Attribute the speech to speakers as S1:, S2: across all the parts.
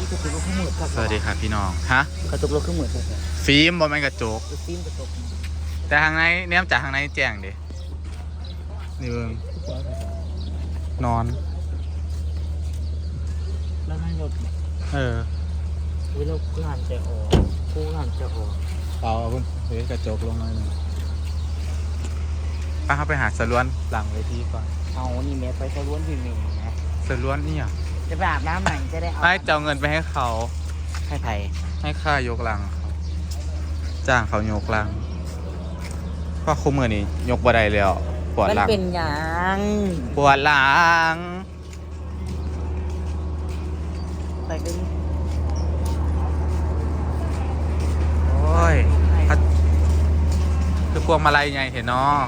S1: กระจกรถขึ้นหมดครับ
S2: สวัสดีครับพี่น้องฮะ
S1: กระจกรถขึ้นหมดครับ
S2: ฟิล์มบอแมนกระจก
S1: ฟิล์มกระจก
S2: แต่ทางในเนี่ยจากทางในแจ้งดินี่เบิ่งนอน
S1: แล้วให้รถ
S2: เออ
S1: วิโรจน์งานจะออกผู้งานจะออก
S2: เอาพุ่นเฮ้ยกระจกลงหน่อยหนึ่งป้าเข้าไปหาสล้วนหลังเวทีก่อน
S1: เอานี่แม่ไปสะล้วนวิ่งนะ
S2: สล้วนนี่อ่ะ
S1: จะไปอาบน้ำใหม่จะได้เอา
S2: ไม่จะเอาเงินไปให้เขา
S1: ให้ไผ่
S2: ให้ค่ายกลังเขาจ้างเขายกลังเพราะคุ้มเงินนี่ยกบ่ได้แล้วปวด
S1: มัน
S2: หลัง
S1: เป็นหยัง
S2: ปวดหลัง
S1: ไปเป็น
S2: โอ้ยคือพวงมาลัยไงเห็นเนาะ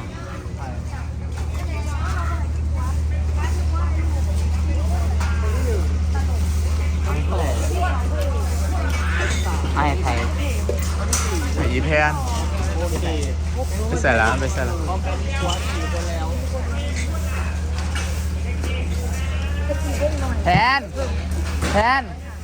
S1: ให้ไผ่
S2: ไอ้อีแพนไปใส่ละไปใส่ละแทนแทน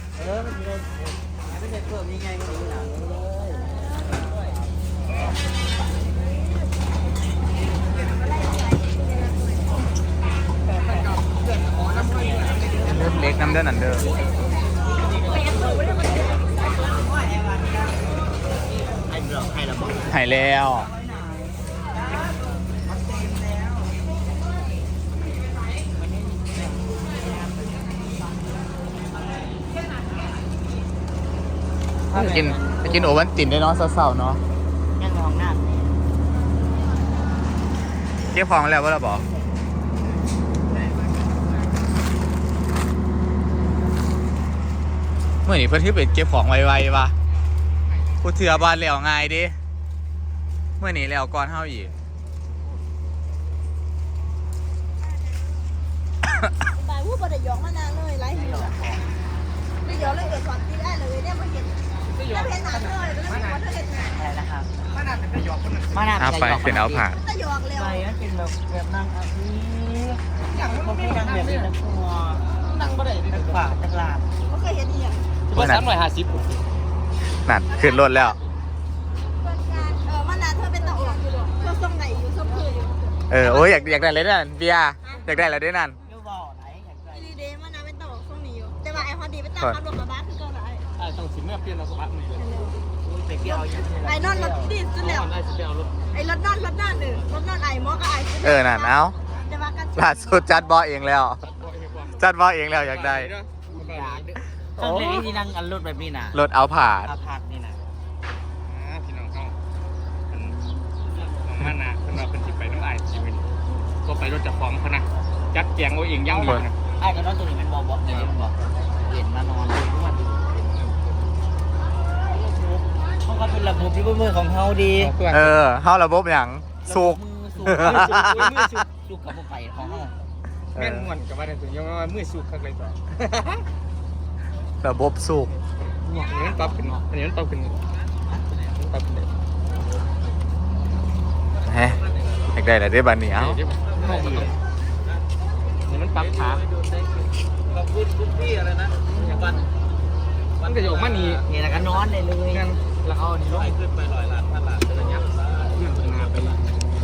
S2: เริ่มเล็กน้ำเด้อนันเด้อหายแล้วไปกินโอวันตินได้เนาะเศร้าๆเนาะ
S1: ยังมองหน้า
S2: เก็บของแล้วว่าเราบอกเมื่อนี้เพื่อนที่ไปเก็บของไวๆวะกูเถื่อบานแล้วง่ายดิเมื่อนี้แล้วก่อนเท่าอีก
S3: บายผู้บริยองมานานเลยไร้หิวไม่ยอมเลยเกิดความที่ได้เลยเนี่ยมาเห็นแล้วเห็นหนังเลยแล้วเห็นว่าเธอเห็นหนัง
S1: อะไรนะครับมานาเป็นหยอกคนหนึ่งมานา
S2: เอาไปเป็นเอาผ่าน
S3: ก็ยอกเร็ว
S1: ไปมันเป็นแบบนั่งอาทิอย่างมันไม่นั่งแบบนี้นะครัวนั่งบ่ได้ตักฝาตักลาบ
S3: ก็เคยเห็นอีก
S1: ว่า350
S2: นั่นขึ้นรถแล้ว
S3: เพื่อนการมานานเธอเป็นตะออกอยู่หรอเธอทรงไหนอยู่ทรงคืออยู่
S2: โอ้ยอยากได้เลยนั่นเบียร์อยากได้แล้วด้วยนั่น
S1: เดี๋ยวบอกไหนอยากได้
S3: ดีเดมานานเป็นตะออกทรงนี้อยู่แต่ว่าไอ้พอดีเป็นตะขับรถกระบะคือเก่าไหน
S1: ต้องสิเมื่อเปลี่ยนรถบัสนี่เลยไปเปลี่ยนเอาอย่างนี้
S3: ไอ้นอนรถดีสุดแล้ว
S1: ได้สิเปลี่ยนรถ
S3: ไอ้รถนอนหนึ่งรถนอนไอ้มอกับไอ้
S2: นั่นเอา
S3: แต่ว่ากัน
S2: ล่าสุดจัดบอเองแล้ว จัดบอเองแล้วอยากได้
S1: ต้องเล่นที่นั่งอันรถแบบนี้นะ
S2: รถเอาผ่าน
S1: อาพักนี่นะ
S4: พี่น้องเขาเป็นน้องมานะเป็นเราเป็นสิไปน้ำลายชีวิตก็ไปรถจักรของเขานะจัดแจงเอาเองย่างดีนะ
S1: ไอ้ก็นอนตัวนี้มันบอกเนี่ยมันบอกเห็นมานอนเลยทุกวันเขาก็เป็นระบบที่มือของเขาดี
S2: เข้าระบบอย่างสุก
S1: มือสุกกับพวกไก่ของเขา
S4: แม่นม่วนกับว่าในตัวยังว่ามือสุกข้างเลยต่อ
S2: ระบบสุก
S4: อันนี้มันปรับขึ้นอันนี้มันปรับขึ้นปรับขึ้นเลย
S2: ฮะอยากได้อะไรได้บ้านนี้เอ้า
S4: นี่มันปรับขาขอบคุณพี่อะไรนะอย่างวันก็จะออกมานี่
S1: นี่แหละก็นอนได้เลย
S4: กันแล้วเอานี่ลงขึ้นไป100 ล้าน1,000 ล้านเป็นระยะเรื่องนาไปละ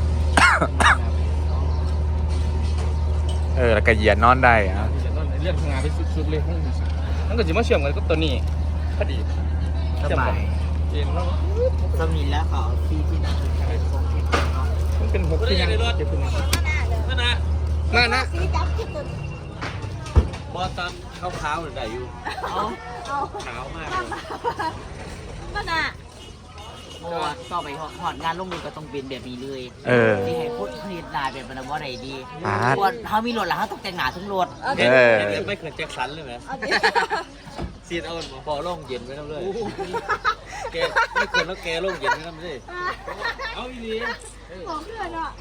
S2: แล้วก็เหยียดนอนได้อะ
S4: เรื่องงานไปสุดๆเลยนั่นก็จะมาเชื่อมกันกับตัวนี้พอดี
S1: สบาย
S4: เย็นแล้ว
S1: สมินแล้วเขาที่นั่ง
S4: มันเป็น6ที่ยังเจ็บขึ้นมา
S3: มาหน้าสีจับขึ้นตัว
S4: บอตันขาวๆได้อยู่
S3: เอา
S4: ขาวมาก
S3: มาหน้า
S1: โอ้ต่อไปหอดงานลงมือก็ต้องเป็นแบบนี้เลย ที่ให้พูดผลิตนายแบบนั้นว่าไรดีควรเขามีรถแล้วเขาต้องแต่งหนาทั้งรถ
S4: ไม่เคยแจ็คสันเลยไหม
S3: เอาดิ
S4: ซีดเอาพอล่องเย็นไว้น้ำเลยแกไม่ควรแล้วแกล่องเย็นไว้น้ำเลยเอาอีนี้
S3: ของเพื่อนอ่ะ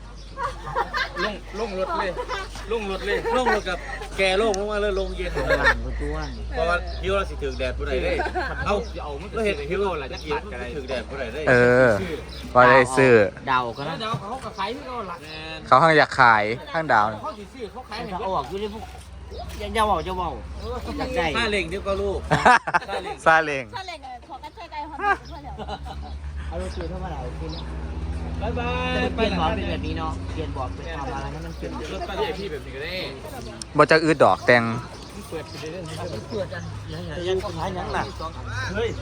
S4: ล่องรถเลยล่องรถเลยล่องรถกับแกล่องลงมาเลยลงเย็น
S1: หลังตัว
S4: เพราะว่าฮิวเราสิถึงแดดผู้ใดได้เอาเราเห็นฮิวเราจะเกียร์ถึงแดดผู้ใดได้
S2: ก็ได้ซื้อ
S1: เดาก็นะ
S4: เดี๋ยวเขาก็ขายที่เราละ
S2: เขาข้างอยากขายข้างดาว
S4: เขาสิซื้อเขาขายให้
S1: ถ้าออกอยู่ในพวกอย่าเว้าอยากได้
S4: ถ้าเล่งเดี๋ยวก็ลูก
S2: ซาเล้ง
S3: ถ้าเล่นขอกันใช้ไกลความเพื่อนเดี๋ยว
S1: เอารถตู้เท่าไหร่กิน
S4: บ๊ายบา
S1: แต่
S4: ย
S1: เปลี่ยนบอร์ดเป็นแบบนี้เนาะเปลี่ยนบอร์ดเป็นทำอะไรให้มันเป็น
S4: รถป้าที่พี่แบบนี้ก็ได้
S2: บ่จะอืดดอกแต่ง
S4: เปิดไปเรื่อยๆ
S1: เปิดกันยังสุดท้ายยังหนัก
S4: เฮ้ย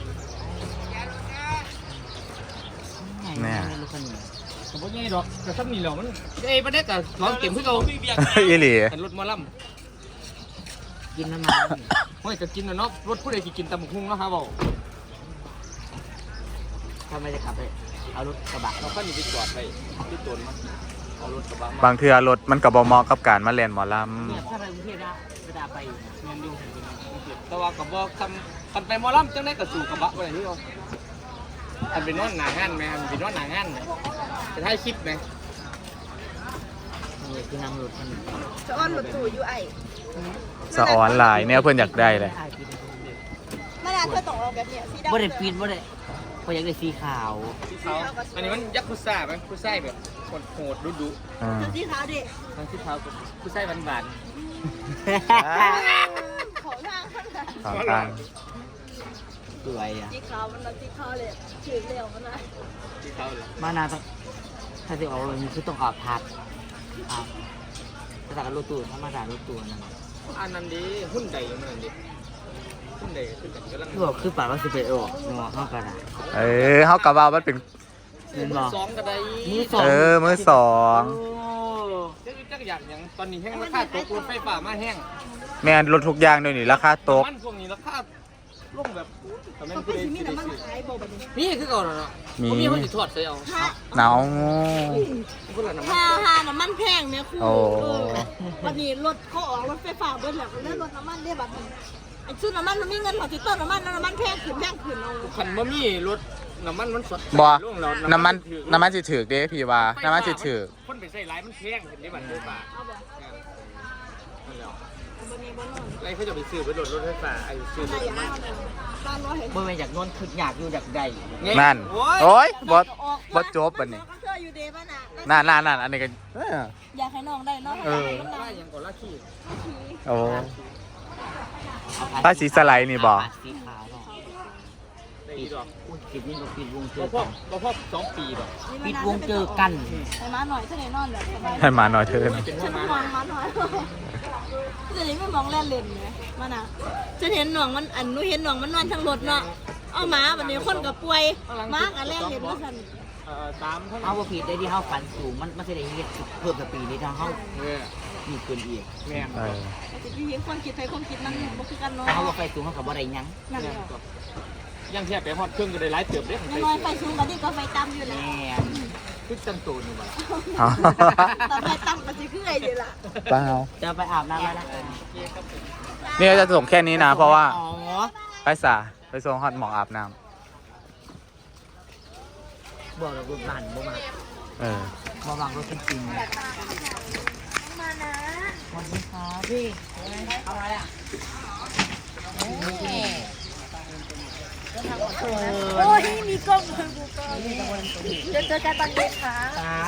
S2: แน่
S1: รถคันนี้
S4: ผมว่าไงดอกแต่ซ้ำนี่เหรอมันประเด็นกับร้อนเก็บเพื่อเรา
S2: อีหลี
S4: แต่รถมอล
S1: กินน้ำมัน
S4: ำไม่จะกินนะเนาะรถผู้ใดกินตำบักหุ่งเนาะครับบอก
S1: ทำไมจะขับไปเอารถกระบะ
S4: เราก็หนีไปจอดไปที่ตนมาเอารถกระบะมา
S2: บางเทื่อรถมันก็บ่เหมาะกับการมาเล่นหมอล
S1: เนี่ยถ้าไปกรุงเทพนะเวลาไป
S4: เงินอยู่แต่ว่ากับบอกกันไปมอลำจังได้กับสู่กระบะไปที่เขาอันเป็นนอนหนางานไหมอันเป็นนอนหนางานไหมจะให้คลิปไหม
S1: นี่คือนั่งรถคันนี้
S3: จะอ้อนรถตู้อยู่ไอ้
S2: ำสะออนหลายเนี่ยเพิ่นอยากได้เลย
S3: เมื่อนานเธอต้องเอาแบบเนี้ยสีดำ
S1: บ่ได้ปีนบ่ได้พออยากได้สีขาว
S4: ที่เขาอันนี้มันยักษ์คุซ่าไหมคุซ่าแบบโหดดุดุ
S2: อืม
S3: เธอสีขาวดิ
S4: ทางที่เขาคุซ่าบาน
S3: ขอทางข้างหน้า
S2: สองทาง
S1: สวยอ่ะ
S3: สีขาวมันสีขาวเลยถือเร็วมันนะ
S4: ๆที่เขาเลย
S1: มานาต้องถ้าจะออกรถนี้คือต้องออกพักถ้าจากรถตู้ธรรมดารถตู้นั่น
S4: อันนั้นดีหุ้นใดมันนั่นดีหุ้นใดขึ้นกันกำลัง
S1: คือบอกคือปากว่าสิไปออกเนาะเข้ากันอ่ะ
S2: เฮากะว่ามันเป็น
S1: เงินบอก
S4: สองก็ได้
S1: มือสอง
S2: มือสอง
S4: จักอย่างอย่างตอนนี้แห้งราคาตกรถไฟฟ้ามาแห้ง
S2: แม่นรถทุกอย่างเดี๋ยวนี้ราคาตก
S4: มันพวกนี้ราคาลงแบบแต่ไม่
S3: เขา
S4: ผู้
S3: เป็น
S4: ใด
S3: สีมี
S4: ผู้ใด
S3: น้ำมัน
S4: ซื้อ
S3: ขายบ่แบบนี้
S4: นี่คือก่อนเนาะ
S2: มี
S4: มีคนติดทอดใส่เอา
S3: ถ้า
S2: หนาว
S4: คนละน้ำมัน
S3: ถ้าน้ำมันแพงเนี่ยคุณ
S2: โอ้
S3: วันนี้รถเขาออกรถไฟฟ้าเบิ้ลแล้วเรื่องรถน้ำมันได้แบบนี้ไอ้ชุดน้ำมันมันมีเงินของติดต้นน้ำมันแพงขึ้นเอา
S4: คันบ่มีรถน้ำมันมันสด
S2: บ่
S4: ลงแล้ว
S2: น้ำมันสิถูกเด้พี่ว่าน้ำมันสิถูก
S4: คนไปใส่หลายมันแพงเห็นได้บัตรไฟฟ้า
S3: เอาบ่
S4: นั่นแหละ
S3: วันนี้บ่นอน
S4: ไรเขาจะไปซื้อไปรถไฟฟ้าไอ้ซื้อร
S3: ใช่
S4: ถ
S3: อย่าง
S4: น้ำ
S3: นั้
S4: มัน น
S3: บ้านร้อยเห็น
S1: เมื่อไปจากโน้นคืออยากอยู่อยากได้
S2: นั่น โอ้ยบ่จบบัดนี้
S3: ก็เชื่ออยู่เดบ้านน่ะ
S2: นั่นอันนี้ก็
S3: อยากให้น้องได้เนาะ
S4: มันได้ยังก่อนละขี้
S2: โอ้ผ้าสีสไลด์นี่บ่
S1: สีขาวเนาะ
S4: ได้ดอก
S1: อุ้ยปิดนี่ก็ปิดวงเจ
S4: บ่
S1: อ
S4: พอบ่พอ2 ปีดอก
S1: ปิดวงเจอกัน
S3: ให้มาหน่อยถ้าไหนนอนแบบสบาย
S2: ให้มาหน่อยเถิน
S4: เป็นหั
S3: ฉั
S4: วน มา
S3: มองมาหน่อยจะนี้ไม่มองแล่นเล่นไงมาน่ะฉันเห็นหน่องมันอันนู้เห็นหน่องมันนอนทั้งรถเนาะเอาหมาแบบนี้คนกับป่วยหมากับแล่นเล่นว่าสัน
S4: ตามเท่า
S1: เอาว่าผิดได้ที่เฮาฝันสูงมันจะได้เฮ็ดเพิ่มกับปีนี้ทางเฮา
S4: เนี่ย
S1: มีเกินอีก
S4: แม่ง
S3: แต่พี่เห็นความคิดไทยความคิดมันบ่คือกันเนาะ
S1: ถ้าเฮาว่าไฟสูงเฮาก็บ่ได้หยัง
S3: นั่นแหละ
S4: ยังแค่ไปฮอดเครื่องก็ได้หลายเติบเด้
S3: น้อยๆไฟสูงกันนี่ก็ไฟต่ำอยู่
S1: แม
S3: แล้ว
S1: ่คือจังตูนี่บ่ล่ะ
S3: ตอนไฟต่ำก็สิคือไอ้เดียวล่ะ
S2: เปล่า
S1: จะไปอาบน้ำแล้วนะ
S2: นี่ก็จะส่งแค่นี้นะ เพราะว่า
S1: อ๋อ
S2: ไปส่งฮอตหมองอาบน้
S1: บอกแล้วรถบ้านบ่มา
S2: ำ
S1: บ่วางรถจริงๆ
S3: มานะ
S1: สวัสดีครับพี่เอาอะไรอ่ะ
S3: โอ้ยมีกล้องเลยกูก็เดี๋ยวเจอกันตอนเย็นค่ะ
S1: ครับ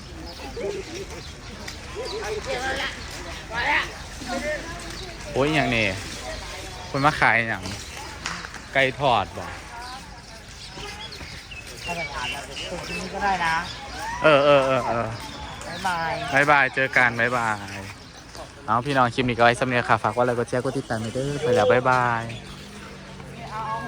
S2: โอ้ยอย่างนี้คนมาขายอย่างไก่ทอดบ่
S1: ถ้าไปอาบน้ำตรงนี้ก็ได้นะ
S2: เออ
S1: บ๊ายบาย
S2: บายเจอกันบาย เอาพี่น้องคลิปนี้ก็ไว้สำเนียงค่ะ ฝากว่าอะไรก็แชร์ก็ติดตามไปเด้อไปแล้วบาย